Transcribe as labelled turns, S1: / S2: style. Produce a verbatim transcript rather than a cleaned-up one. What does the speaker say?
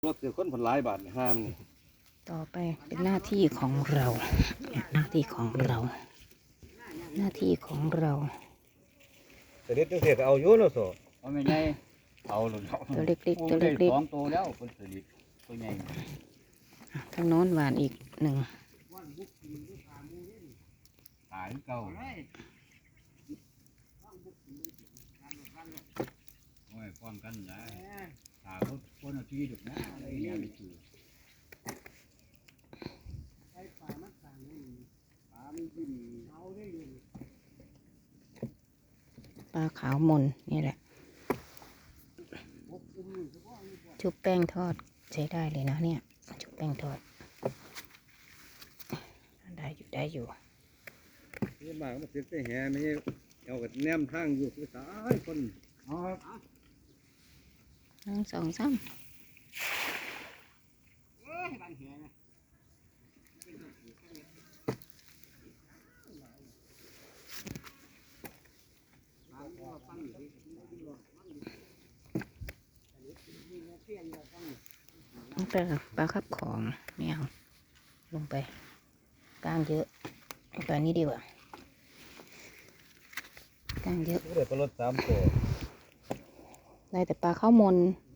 S1: รถเสือคนผลหลายบาทห้ามนี่
S2: ต่อไปเป็นหน้าที่ของเราหน้าที่ของเรา หน้าที่ของเรา
S1: เสด็จจังเสียก็เอาอยู่เนาะโซ
S3: เอาไม่ใหญ่เอาหลุด
S2: ตัวเล็กๆตัวเล็ก
S3: สองตัวแล้วคนสลิดตัวใหญ่
S2: ๆทางโน้นหวานอีกหนึ่ง
S3: ตายเก่าโอ้ยป้องกันได้ตาเขาคนเอาที่ถูกนะไอ้เนี่ยไม่ถือ
S2: ปลาขาวมนนี่แหละชุบแป้งทอดใช้ได้เลยนะเนี่ยชุบแป้งทอดได้อยู่ได้อยู่
S1: นี่มาก็มาเสียแต่แห่ไม่ใช่เอากับแนมทางอยู่คือสายคน
S3: อ๋อครับ
S2: หนึ่งสองสามปลาปลาคับของไม่เอาลงไปกล้างเยอะเอาตัวนี้ดีกว่ากล้างเยอะ
S1: เดี๋ยวก็รถสามตัว
S2: ได้แต่ปลาข้าวมน